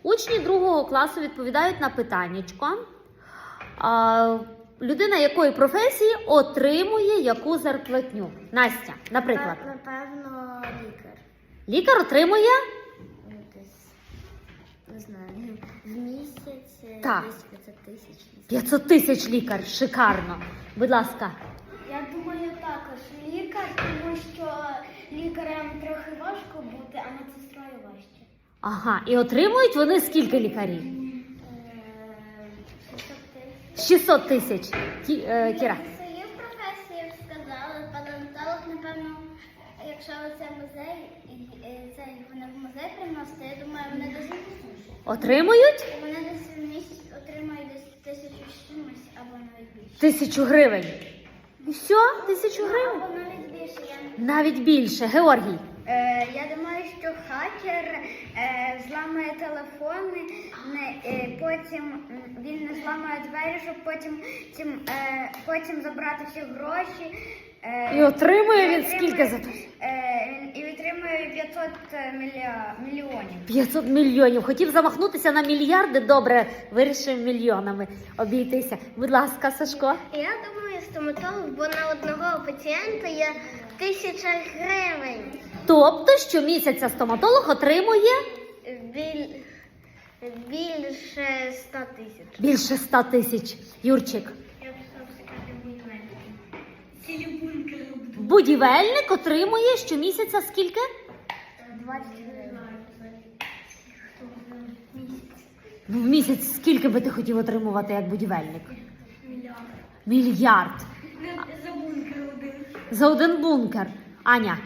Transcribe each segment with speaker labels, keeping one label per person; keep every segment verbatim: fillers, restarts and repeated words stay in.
Speaker 1: Учні другого класу відповідають на питаннячко. А, людина якої професії отримує яку зарплатню? Настя, наприклад.
Speaker 2: Напевно, лікар.
Speaker 1: Лікар отримує?
Speaker 2: Десь, не знаю, в місяць
Speaker 1: Так.
Speaker 2: десь п'ятсот тисяч.
Speaker 1: п'ятсот тисяч лікар. Шикарно. Будь ласка.
Speaker 2: Я думаю, також лікар, тому що лікарям трохи важко бути, а медсестрою важче.
Speaker 1: Ага, і отримують вони скільки лікарів?
Speaker 2: шістсот тисяч.
Speaker 1: шістсот тисяч. Кі- е, Кіра.
Speaker 2: Свою професію сказали, палеонтолог, напевно, якщо це музей, і це вони в музей приносять, я думаю, вони десь
Speaker 1: Отримують
Speaker 2: вони десь в місяць отримають десь тисячу з чимось або навіть більше.
Speaker 1: тисячу гривень. І все? Тисячу гривень?
Speaker 2: Або навіть більше. Я,
Speaker 1: Навіть більше. Георгій.
Speaker 2: е, я думаю, що хакер е, зламає телефони, не, е, потім м, він не зламає двері, щоб потім, тім, е, потім забрати всі гроші. Е,
Speaker 1: І отримує він
Speaker 2: отримує,
Speaker 1: скільки за то?
Speaker 2: Е, і отримує п'ятсот мілья, мільйонів.
Speaker 1: п'ятсот мільйонів. Хотів замахнутися на мільярди, добре, вирішив мільйонами обійтися. Будь ласка, Сашко.
Speaker 2: Я думаю, стоматолог, бо на одного пацієнта є тисяча гривень.
Speaker 1: Тобто, щомісяця стоматолог отримує
Speaker 2: Біль... Більше ста тисяч.
Speaker 1: більше ста тисяч. Юрчик.
Speaker 2: Я б сказати будівельники. Цілі бункери.
Speaker 1: Будівельник отримує щомісяця скільки?
Speaker 2: двадцять гривень.
Speaker 1: Ну, в місяць скільки би ти хотів отримувати як будівельник?
Speaker 2: Мільярд.
Speaker 1: Мільярд.
Speaker 2: За бункер один.
Speaker 1: За один бункер. Аня.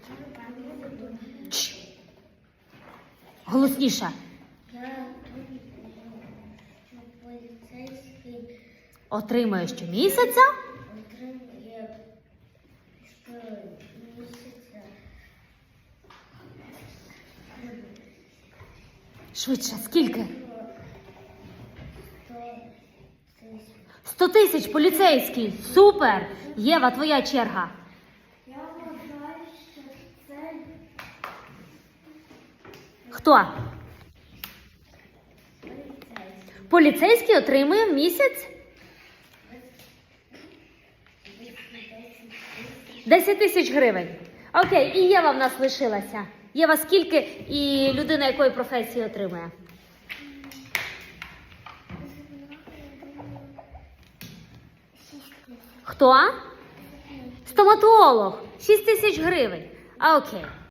Speaker 1: Чш. Голосніше.
Speaker 2: Я думаю, що поліцейський
Speaker 1: Отримує щомісяця
Speaker 2: отримує щомісяця
Speaker 1: швидше. Скільки?
Speaker 2: сто
Speaker 1: сто
Speaker 2: тисяч.
Speaker 1: тисяч поліцейський. Супер. Єва, твоя черга.
Speaker 2: Я вважаю, що це
Speaker 1: Хто?
Speaker 2: поліцейський.
Speaker 1: Поліцейський отримує в місяць десять тисяч гривень. Окей, і Єва в нас лишилася. Єва, скільки і людина якої професії отримує? Хто? Стоматолог. шість тисяч гривень. А, окей.